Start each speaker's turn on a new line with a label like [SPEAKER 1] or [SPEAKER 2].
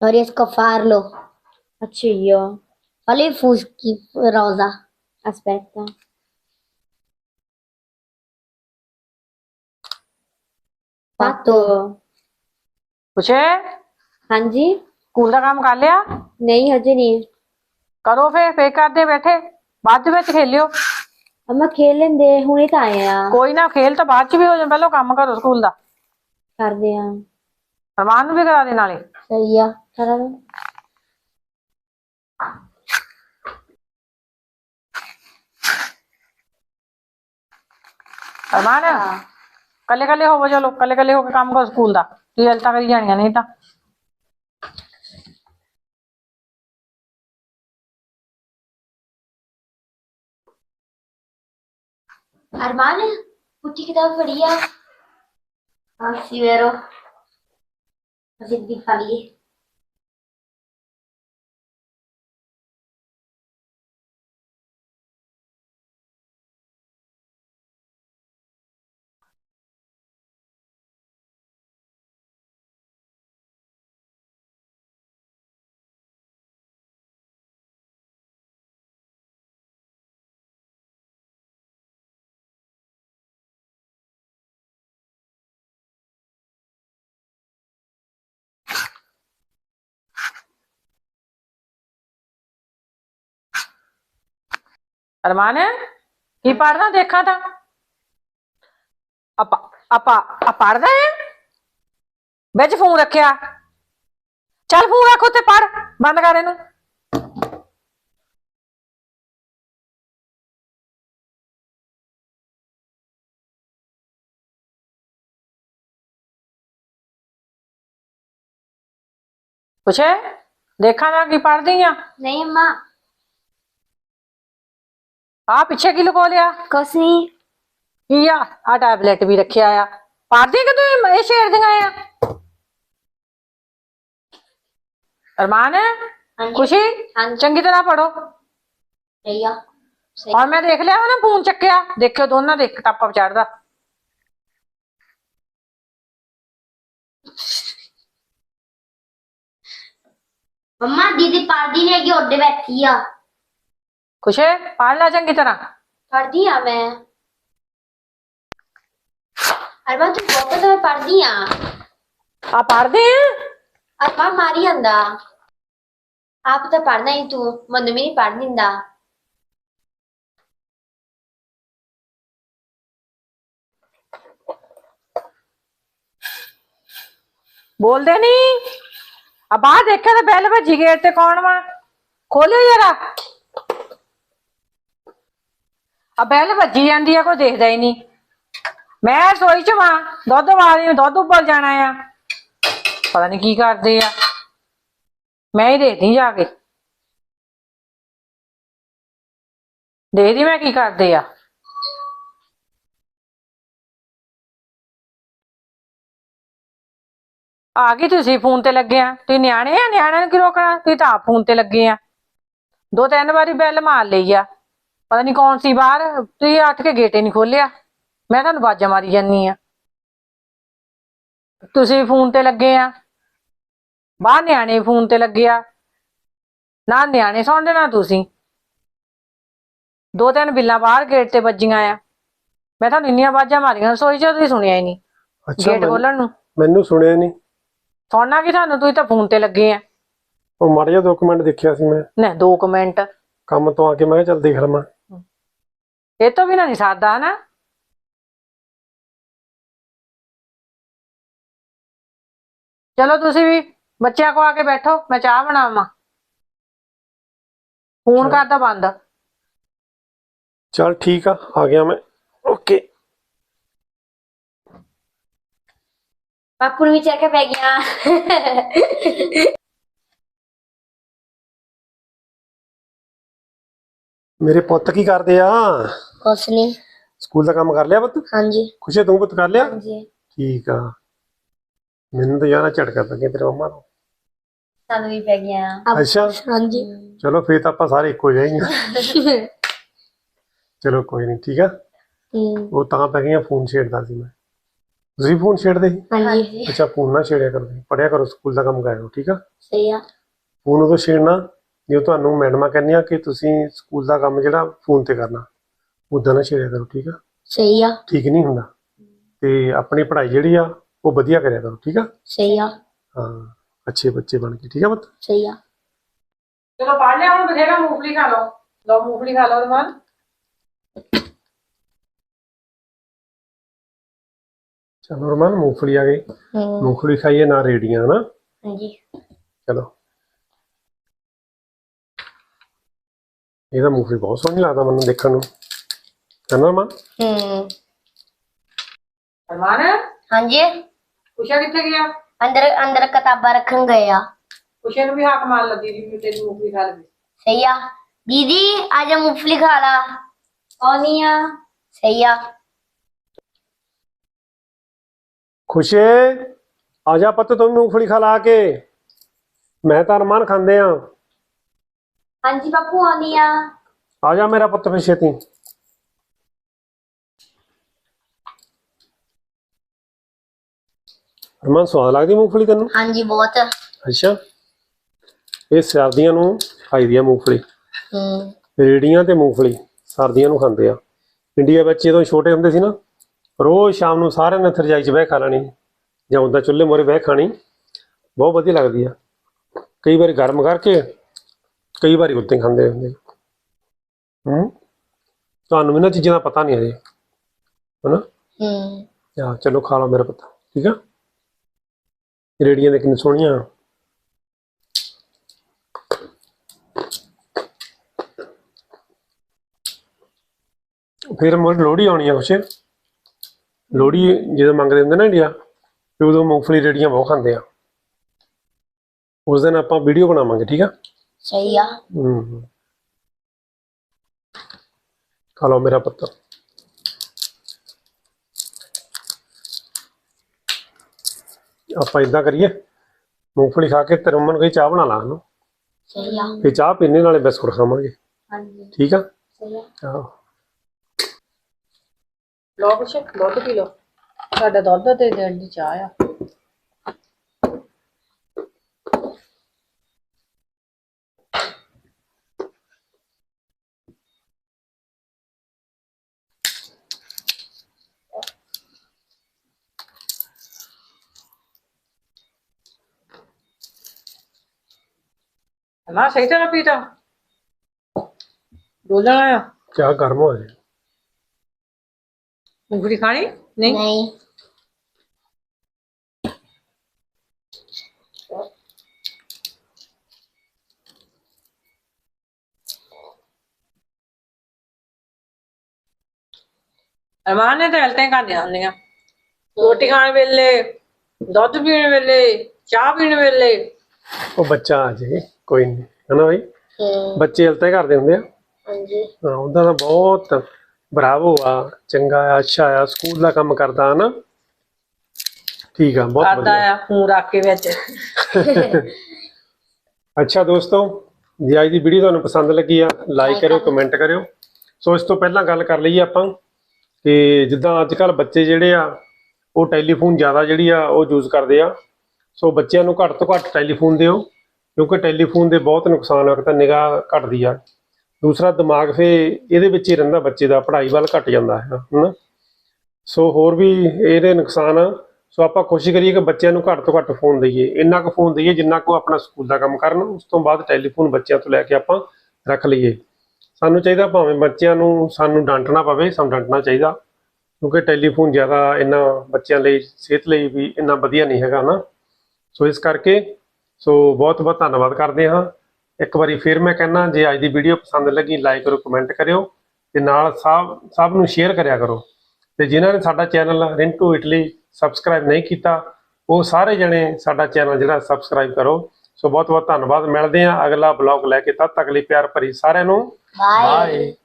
[SPEAKER 1] और इसको फाड़ लो।
[SPEAKER 2] अच्छi io.
[SPEAKER 1] Olha i fuschi rosa.
[SPEAKER 2] Aspetta.
[SPEAKER 1] Fatto।
[SPEAKER 3] ਪੁੱਛੇ
[SPEAKER 2] हाँ जी।
[SPEAKER 3] ਸਕੂਲ ਦਾ ਕੰਮ ਕਰ ਲਿਆ?
[SPEAKER 2] नहीं हजे नहीं।
[SPEAKER 3] ਕਰੋ ਫੇਰ ਕਰਦੇ ਬੈਠੇ, ਬਾਅਦ ਵਿੱਚ ਖੇਲਿਓ।
[SPEAKER 2] अम्मा खेल लेंदे हुणे तो आए आ।
[SPEAKER 3] ਕੋਈ ਨਾ, ਖੇਲ ਤਾਂ ਬਾਅਦ ਚ ਵੀ ਹੋ ਜਾਏ, ਪਹਿਲਾਂ ਕੰਮ ਕਰੋ ਸਕੂਲ ਦਾ।
[SPEAKER 2] कर दे आ।
[SPEAKER 3] ਅਰਮਾਨ ਨੂੰ ਵੀ ਕਰਾ ਦੇ ਨਾਲੇ।
[SPEAKER 1] सही है।
[SPEAKER 2] करा दो।
[SPEAKER 3] ਅਰਮਾਨ ਕੱਲੇ ਕੱਲੇ ਹੋਵੋ, ਚਲੋ ਕੱਲੇ ਕੱਲੇ ਹੋ ਕੇ ਕੰਮ ਕਰੋ ਸਕੂਲ ਦਾ। ਰਿਜ਼ਲਟਾਂ ਕਰੀ ਜਾਣੀਆਂ ਨਹੀਂ ਤਾਂ।
[SPEAKER 1] Armand, tutti kitab pढ़ी आ? हाँ sì, vero. Così di farli.
[SPEAKER 3] ਅਰਮਾਨ ਕੀ ਪੜ੍ਹਦਾ ਦੇਖਾਂ ਤਾਂ। ਆਪਾਂ ਪੜ੍ਹਦਾ ਹੈ ਵਿੱਚ ਫੋਨ ਰੱਖਿਆ। ਚੱਲ ਫੋਨ ਰੱਖ ਉੱਤੇ, ਪੜ੍ਹ, ਬੰਦ ਕਰ ਇਹਨੂੰ। ਪੁੱਛੇ ਦੇਖਾਂ ਨਾ ਕੀ ਪੜ੍ਹਦੀ ਆ।
[SPEAKER 1] नहीं अम्मा।
[SPEAKER 3] ਆ ਪਿੱਛੇ ਕੀ ਲੁਕੋ ਲਿਆ?
[SPEAKER 2] कुछ नहीं।
[SPEAKER 3] ਕੀ ਆ ਟੈਬਲੇਟ ਵੀ ਰੱਖਿਆ ਆ। ਪੜ੍ਹਦੀ ਕਿ ਤੂੰ ਇਹ ਛੇੜਦੀਆਂ ਆ? ਅਰਮਾਨ
[SPEAKER 1] हाँ जी।
[SPEAKER 3] ਖੁਸ਼ੀ
[SPEAKER 1] हाँ जी।
[SPEAKER 3] ਚੰਗੀ ਤਰ੍ਹਾਂ ਪੜੋ।
[SPEAKER 1] सही है। सही।
[SPEAKER 3] ਔਰ ਮੈਂ ਦੇਖ ਲਿਆ ਵਾ ਨਾ ਫੋਨ ਚੱਕਿਆ, ਦੇਖਿਓ ਦੋਨਾਂ ਦੇ ਇੱਕ ਟਾਪਾ ਚੜਦਾ।
[SPEAKER 1] मम्मा दीदी पढ़दी नहीं है, ओडे बैठी आ।
[SPEAKER 3] ਖੁਸ਼ੇ ਪੜ੍ਹ ਲੈ ਚੰਗੀ ਤਰ੍ਹਾਂ।
[SPEAKER 1] पढ़दी आ मैं। अरमान तू बहुत तो मैं पढ़दी आ।
[SPEAKER 3] ਆ ਪੜ੍ਹਦੇ ਆ।
[SPEAKER 1] अरमान मारी आंदा। आप तो पढ़ना ही तू, मनु भी नहीं पढ़ दिंदा।
[SPEAKER 3] ਬੋਲਦੇ ਨਹੀਂ। ਆ ਬਾਹਰ ਦੇਖਿਆ ਤਾਂ ਬੈਲ ਵੱਜੀ, ਗੇਟ ਤੇ ਕੌਣ ਵਾ? ਖੋਲਿਓ ਜਰਾ। ਆ ਬੈਲ ਵੱਜੀ ਜਾਂਦੀ ਆ, ਕੋਈ ਦੇਖਦਾ ਹੀ ਨਹੀਂ। ਮੈਂ ਰਸੋਈ ਚ ਵਾਂ, ਦੁੱਧ ਵਾਲੀ, ਦੁੱਧ ਉੱਬਲ ਜਾਣਾ ਆ। ਪਤਾ ਨਹੀਂ ਕੀ ਕਰਦੇ ਆ, ਮੈਂ ਹੀ ਦੇਖਦੀ ਜਾ ਕੇ। ਦੇਖਦੀ ਮੈਂ ਕੀ ਕਰਦੇ ਆ। ਆ ਗਈ ਤੁਸੀਂ ਫੋਨ ਤੇ ਲੱਗੇ ਆ। ਤੁਸੀਂ ਨਿਆਣੇ ਆ, ਨਿਆਣਿਆਂ ਨੂੰ ਕੀ ਰੋਕਣਾ? ਤੁਸੀਂ ਤਾਂ ਆਪ ਫੋਨ ਤੇ ਲੱਗੇ ਆ। 2-3 ਵਾਰੀ ਬੈਲ ਮਾਰ ਲਈ ਆ, ਪਤਾ ਨਹੀਂ ਕੌਣ ਸੀ ਬਾਹਰ। ਤੁਸੀਂ ਉੱਠ ਕੇ ਗੇਟ ਹੀ ਨਹੀਂ ਖੋਲਿਆ। ਮੈਂ ਤੁਹਾਨੂੰ ਆਵਾਜ਼ਾਂ ਮਾਰੀ ਜਾਨੀ ਆ, ਤੁਸੀਂ ਫੋਨ ਤੇ ਲੱਗੇ ਆ। ਬਾਹਰ ਨਿਆਣੇ ਫੋਨ ਤੇ ਲੱਗੇ ਆ, ਨਾ ਨਿਆਣੇ ਸੁਣਦੇ ਨਾ ਤੁਸੀਂ। 2-3 ਬਿੱਲਾਂ ਬਾਹਰ ਗੇਟ ਤੇ ਵੱਜੀਆਂ ਆ। ਮੈਂ ਤੁਹਾਨੂੰ ਇੰਨੀਆਂ ਆਵਾਜ਼ਾਂ ਮਾਰੀਆਂ ਰਸੋਈ ਚ, ਤੁਸੀਂ ਸੁਣਿਆ ਹੀ ਨਹੀਂ। ਗੇਟ ਖੋਲਣ ਨੂੰ
[SPEAKER 4] ਮੈਨੂੰ ਸੁਣਿਆ ਨਹੀਂ।
[SPEAKER 3] ਸੁਣਨਾ ਕੀ ਤੁਹਾਨੂੰ, ਤੁਸੀਂ ਤਾਂ ਫੋਨ ਤੇ ਲੱਗੇ ਆ।
[SPEAKER 4] ਉਹ ਮਾੜਾ ਜਿਹਾ 2 ਮਿੰਟ ਦੇਖਿਆ ਸੀ ਮੈਂ,
[SPEAKER 3] ਨਾ 2 ਮਿੰਟ
[SPEAKER 4] ਕੰਮ ਤੋਂ ਆ ਕੇ ਮੈਂ ਕਿਹਾ ਚੱਲ ਦੇਖ ਲਵਾਂ।
[SPEAKER 3] ਇਹ ਤੋਂ ਵੀ ਨਹੀਂ ਸਰਦਾ ਨਾ। ਚਲੋ ਤੁਸੀਂ ਵੀ ਬੱਚਿਆਂ ਕੋ ਆ ਕੇ ਬੈਠੋ, ਮੈਂ ਚਾਹ ਬਣਾਵਾਂ। ਫੋਨ ਕਰਦਾ ਬੰਦ।
[SPEAKER 4] ਚੱਲ ਠੀਕ ਆ ਗਿਆ ਮੈਂ। ਓਕੇ।
[SPEAKER 1] पापू भी चेक पै गया।
[SPEAKER 4] ਮੇਰੇ ਪੁੱਤ ਕੀ ਕਰਦੇ ਆ?
[SPEAKER 1] कुछ नहीं।
[SPEAKER 4] ਸਕੂਲ ਦਾ ਕੰਮ ਕਰ ਲਿਆ ਪੁੱਤ?
[SPEAKER 1] हाँ जी।
[SPEAKER 4] ਖੁਸ਼ੀ ਤੂੰ ਪੁੱਤ ਕਰ ਲਿਆ?
[SPEAKER 1] हाँ जी।
[SPEAKER 4] ਠੀਕ ਆ। ਮੈਨੂੰ ਤਾਂ ਯਾਰ ਝਟਕਾ ਪੈ ਗਿਆ ਤੇਰੇ ਮੰਮਾ ਨੂੰ।
[SPEAKER 1] सानू भी पै गया।
[SPEAKER 4] ਅੱਛਾ
[SPEAKER 1] हाँ जी।
[SPEAKER 4] ਚਲੋ ਫੇਰ ਤਾਂ ਆਪਾਂ ਸਾਰੇ ਇੱਕੋ ਜਾਏਂਗੇ। ਚਲੋ ਕੋਈ ਨਹੀਂ, ਠੀਕ ਆ। ਉਹ ਤਾਂ ਪੈ ਗਈਆਂ, ਫੋਨ ਛੇੜਦਾ ਸੀ ਮੈਂ। ਤੁਸੀਂ ਫੋਨ ਛੇੜਦੇ ਸੀ?
[SPEAKER 2] ਹਾਂਜੀ
[SPEAKER 4] ਅੱਛਾ ਫੋਨ ਨਾ ਛੇੜਿਆ ਕਰੋ, ਪੜਿਆ ਕਰੋ, ਸਕੂਲ ਦਾ ਕੰਮ ਕਰਿਆ ਕਰੋ, ਠੀਕ ਆ।
[SPEAKER 2] ਸਹੀ ਆ।
[SPEAKER 4] ਫੋਨ ਉਦੋਂ ਛੇੜਨਾ ਜਦੋਂ ਤੁਹਾਨੂੰ ਮੈਡਮਾਂ ਕਹਿੰਦੀਆਂ ਕਿ ਤੁਸੀਂ ਸਕੂਲ ਦਾ ਕੰਮ ਜਿਹੜਾ ਫੋਨ ਤੇ ਕਰਨਾ, ਉਦਾਂ ਨਾ ਛੇੜਿਆ ਕਰੋ, ਠੀਕ ਆ।
[SPEAKER 2] ਸਹੀ ਆ।
[SPEAKER 4] ਠੀਕ ਨਹੀਂ ਹੁੰਦਾ। ਤੇ ਆਪਣੀ ਪੜ੍ਹਾਈ ਜਿਹੜੀ ਆ ਉਹ ਵਧੀਆ ਕਰਿਆ ਕਰੋ, ਠੀਕ ਆ।
[SPEAKER 2] ਸਹੀ ਆ।
[SPEAKER 4] ਹਾਂ, ਅੱਛੇ ਬੱਚੇ ਬਣ ਕੇ, ਠੀਕ ਆ ਪੁੱਤ।
[SPEAKER 2] ਸਹੀ ਆ।
[SPEAKER 3] ਚਲੋ ਪੜ ਲਿਆ ਹੁਣ, ਬਥੇਰਾ ਮੂੰਗਫਲੀ ਖਾ ਲਓ। ਲਓ ਮੂੰਗਫਲੀ ਖਾ ਲਓ ਰਮਾਨ।
[SPEAKER 4] ਚਲੋ ਰਮਨ, ਮੂੰਗਫਲੀ ਆ ਗਈ। ਮੂੰਗਫਲੀ ਖਾਈਏ ਨਾ, ਰੇੜੀਆਂ ਨਾ।
[SPEAKER 2] ਹਾਂਜੀ।
[SPEAKER 4] ਚਲੋ, ਇਹਦਾ ਮੂੰਗਫਲੀ ਬਹੁਤ ਸੋਹਣੀ ਲੱਗਦਾ ਮੈਨੂੰ ਦੇਖਣ ਨੂੰ, ਹੈ ਨਾ ਰਮਨ?
[SPEAKER 3] ਰਮਾਨ,
[SPEAKER 1] ਹਾਂਜੀ
[SPEAKER 3] ਉਸ਼ਾ ਕਿੱਥੇ ਗਿਆ?
[SPEAKER 1] ਅੰਦਰ ਅੰਦਰ ਕਿਤਾਬਾਂ ਰੱਖਣ ਗਏ ਆ।
[SPEAKER 3] ਉਸ਼ਾ ਨੂੰ ਵੀ ਹਾਕ ਮਾਰ ਲੱਗੀ ਵੀ ਤੇਰੀ ਮੂੰਗਫਲੀ ਖਾ ਲਵੇ।
[SPEAKER 1] ਸਹੀ ਆ। दीदी आजा मूंगफली खा ला।
[SPEAKER 2] ਆਉਣੀ ਆ।
[SPEAKER 1] सही आ।
[SPEAKER 4] ਖੁਸ਼ੇ ਆ ਜਾ ਪੁੱਤ, ਤੂੰ ਵੀ ਮੂੰਗਫਲੀ ਖਾ ਲਾ ਕੇ। ਮੈਂ ਤਾਂ ਰਮਨ ਖਾਂਦੇ ਆ।
[SPEAKER 2] ਹਾਂਜੀ ਬਾਪੂ ਆਉਣੀ ਆ।
[SPEAKER 4] ਆ ਜਾ ਮੇਰਾ ਪੁੱਤ ਫਿਰ ਛੇਤੀ। ਰਮਨ, ਸਵਾਦ ਲੱਗਦੀ ਮੂੰਗਫਲੀ ਤੈਨੂੰ?
[SPEAKER 1] हाँ जी बहुत।
[SPEAKER 4] ਅੱਛਾ, ਇਹ ਸਰਦੀਆਂ ਨੂੰ ਖਾਈਦੀ ਆ ਮੂੰਗਫਲੀ। ਰੇੜੀਆਂ ਤੇ ਮੂੰਗਫਲੀ ਸਰਦੀਆਂ ਨੂੰ ਖਾਂਦੇ ਆ। ਇੰਡੀਆ ਵਿੱਚ ਜਦੋਂ ਛੋਟੇ ਹੁੰਦੇ ਸੀ ਨਾ, ਰੋਜ਼ ਸ਼ਾਮ ਨੂੰ ਸਾਰਿਆਂ ਨੇ ਰਜਾਈ 'ਚ ਬਹਿ ਖਾ ਲੈਣੀ, ਜਾਂ ਉੱਦਾਂ ਚੁੱਲ੍ਹੇ ਮੂਹਰੇ ਬਹਿ ਖਾਣੀ। ਬਹੁਤ ਵਧੀਆ ਲੱਗਦੀ ਆ। ਕਈ ਵਾਰੀ ਗਰਮ ਕਰਕੇ, ਕਈ ਵਾਰੀ ਉੱਦਾਂ ਹੀ ਖਾਂਦੇ ਹੁੰਦੇ। ਤੁਹਾਨੂੰ ਇਹਨਾਂ ਚੀਜ਼ਾਂ ਦਾ ਪਤਾ ਨਹੀਂ ਅਜੇ, ਹਨਾ? ਆ ਚਲੋ ਖਾ ਲਓ ਮੇਰਾ ਪੁੱਤ, ਠੀਕ ਆ। ਰੇੜੀਆਂ ਦੇ ਕਿੰਨੀ ਸੋਹਣੀਆਂ। ਫਿਰ ਮੁੜ ਲੋਹੜੀ ਆਉਣੀ ਆ ਕੁਛ। ਲੋਹੜੀ ਜਦੋਂ ਮੰਗਦੇ ਹੁੰਦੇ ਨਾ ਇੰਡੀਆ, ਤੇ ਉਦੋਂ ਮੂੰਗਫਲੀ ਰੇੜੀਆਂ ਬਹੁਤ ਖਾਂਦੇ ਆ। ਉਸ ਦਿਨ ਆਪਾਂ ਵੀਡੀਓ ਬਣਾਵਾਂਗੇ, ਠੀਕ ਆ।
[SPEAKER 1] सही आ।
[SPEAKER 4] ਖਾ ਲਓ ਮੇਰਾ ਪੁੱਤ। ਆਪਾਂ ਇਦਾਂ ਕਰੀਏ, ਮੂੰਗਫਲੀ ਖਾ ਕੇ ਤੇ ਰਮਨ ਕੋਈ ਚਾਹ ਬਣਾ ਲਾ ਉਹਨੂੰ,
[SPEAKER 1] सही आ।
[SPEAKER 4] ਫਿਰ ਚਾਹ ਪੀਣੇ ਨਾਲੇ ਬਿਸਕੁਟ ਖਾਵਾਂਗੇ,
[SPEAKER 2] ਹਾਂਜੀ
[SPEAKER 4] ਠੀਕ ਆ।
[SPEAKER 2] ਸਹੀ ਆ।
[SPEAKER 4] ਆਹੋ,
[SPEAKER 3] ਲਓ ਕੁਛ ਦੁੱਧ ਪੀ ਲਓ। ਸਾਡਾ ਦੁੱਧ ਤੇ ਦੇਣ ਦੀ ਚਾਹ ਆ। ਨਾ ਸਹੀ ਤਰ੍ਹਾਂ ਪੀਤਾ, ਡੋਲਣਾ ਆ।
[SPEAKER 4] ਚਾਹ ਗਰਮ ਹੋ ਜਾਏ।
[SPEAKER 3] ਮੂੰਗਫਲੀ ਖਾਣੀ ਨਹੀਂ?
[SPEAKER 1] नहीं
[SPEAKER 3] ਅਰਮਾਨ ਨੇ ਤਾਂ ਹਲਤੇ ਖਾਂਦੀਆਂ ਹੁੰਦੀਆਂ, ਰੋਟੀ ਖਾਣ ਵੇਲੇ, ਦੁੱਧ ਪੀਣ ਵੇਲੇ, ਚਾਹ ਪੀਣ ਵੇਲੇ।
[SPEAKER 4] ਉਹ ਬੱਚਾ ਆ ਜਾਏ, ਕੋਈ ਨਹੀਂ, ਹਨਾ ਬਈ? ਬੱਚੇ ਹਲਤੇ ਕਰਦੇ ਹੁੰਦੇ ਆ।
[SPEAKER 1] हाँ जी।
[SPEAKER 4] ਹਾਂ, ਉਹਦਾ ਤਾਂ ਬਹੁਤ ਬਰਾਵੋ ਆ, ਚੰਗਾ ਆ, ਅੱਛਾ ਆ, ਸਕੂਲ ਦਾ ਕੰਮ ਕਰਦਾ ਹਨਾ। ਠੀਕ ਆ, ਬਹੁਤ
[SPEAKER 3] ਕਰਦਾ
[SPEAKER 4] ਵਧੀਆ।
[SPEAKER 3] ਆ ਫੋਨ ਰੱਖ ਕੇ ਵਿੱਚ।
[SPEAKER 4] ਅੱਛਾ ਦੋਸਤੋ, ਜੇ ਅੱਜ ਦੀ ਵੀਡੀਓ ਤੁਹਾਨੂੰ ਪਸੰਦ ਲੱਗੀ ਆ, ਲਾਈਕ ਕਰਿਓ, ਕਮੈਂਟ ਕਰਿਓ। ਸੋ ਇਸ ਤੋਂ ਪਹਿਲਾਂ ਗੱਲ ਕਰ ਲਈਏ ਆਪਾਂ ਕਿ ਜਿੱਦਾਂ ਅੱਜ ਕੱਲ੍ਹ ਬੱਚੇ ਜਿਹੜੇ ਆ, ਉਹ ਟੈਲੀਫੋਨ ਜ਼ਿਆਦਾ ਜਿਹੜੀ ਆ ਉਹ ਯੂਜ਼ ਕਰਦੇ ਆ। ਸੋ ਬੱਚਿਆਂ ਨੂੰ ਘੱਟ ਤੋਂ ਘੱਟ ਟੈਲੀਫੋਨ ਦਿਓ, ਕਿਉਂਕਿ ਟੈਲੀਫੋਨ ਦੇ ਬਹੁਤ ਨੁਕਸਾਨ ਆ। ਇੱਕ ਤਾਂ ਨਿਗਾਹ ਘਟਦੀ ਆ, ਦੂਸਰਾ ਦਿਮਾਗ ਫੇ ਇਹਦੇ ਵਿੱਚ ਹੀ ਰਹਿੰਦਾ ਬੱਚੇ ਦਾ, ਪੜ੍ਹਾਈ ਵੱਲ ਘਟ ਜਾਂਦਾ ਹੈ ਨਾ। ਸੋ ਹੋਰ ਵੀ ਇਹਦੇ ਨੁਕਸਾਨ ਆ। ਸੋ ਆਪਾਂ ਕੋਸ਼ਿਸ਼ ਕਰੀਏ ਕਿ ਬੱਚਿਆਂ ਨੂੰ ਘੱਟ ਤੋਂ ਘੱਟ ਫੋਨ ਦਈਏ, ਇੰਨਾ ਕੁ ਫੋਨ ਦਈਏ ਜਿੰਨਾ ਕੁ ਆਪਣਾ ਸਕੂਲ ਦਾ ਕੰਮ ਕਰਨ। ਉਸ ਤੋਂ ਬਾਅਦ ਟੈਲੀਫੋਨ ਬੱਚਿਆਂ ਤੋਂ ਲੈ ਕੇ ਆਪਾਂ ਰੱਖ ਲਈਏ। ਸਾਨੂੰ ਚਾਹੀਦਾ ਭਾਵੇਂ ਬੱਚਿਆਂ ਨੂੰ ਸਾਨੂੰ ਡਾਂਟਣਾ ਪਵੇ, ਸਾਨੂੰ ਡਾਂਟਣਾ ਚਾਹੀਦਾ, ਕਿਉਂਕਿ ਟੈਲੀਫੋਨ ਜ਼ਿਆਦਾ ਇੰਨਾ ਬੱਚਿਆਂ ਲਈ, ਸਿਹਤ ਲਈ ਵੀ ਇੰਨਾ ਵਧੀਆ ਨਹੀਂ ਹੈਗਾ ਨਾ। ਸੋ ਇਸ ਕਰਕੇ ਬਹੁਤ ਬਹੁਤ ਧੰਨਵਾਦ ਕਰਦੇ ਹਾਂ। ਇੱਕ ਵਾਰੀ ਫਿਰ ਮੈਂ ਕਹਿੰਦਾ, ਜੇ ਅੱਜ ਦੀ ਵੀਡੀਓ ਪਸੰਦ ਲੱਗੀ, ਲਾਈਕ ਕਰੋ, ਕਮੈਂਟ ਕਰਿਓ, ਤੇ ਨਾਲ ਸਭ ਨੂੰ ਸ਼ੇਅਰ ਕਰਿਆ ਕਰੋ। ਤੇ ਜਿਨ੍ਹਾਂ ਨੇ ਸਾਡਾ ਚੈਨਲ ਰਿੰਟੂ ਇਟਲੀ ਸਬਸਕ੍ਰਾਈਬ ਨਹੀਂ ਕੀਤਾ, ਉਹ ਸਾਰੇ ਜਣੇ ਸਾਡਾ ਚੈਨਲ ਜਿਹੜਾ ਸਬਸਕ੍ਰਾਈਬ ਕਰੋ। ਸੋ ਬਹੁਤ ਬਹੁਤ ਧੰਨਵਾਦ। ਮਿਲਦੇ ਹਾਂ ਅਗਲਾ ਬਲੌਗ ਲੈ ਕੇ, ਤਦ ਤੱਕ ਲਈ ਪਿਆਰ ਭਰੀ ਸਾਰਿਆਂ ਨੂੰ
[SPEAKER 1] बाय।
[SPEAKER 4] ਬਾਏ।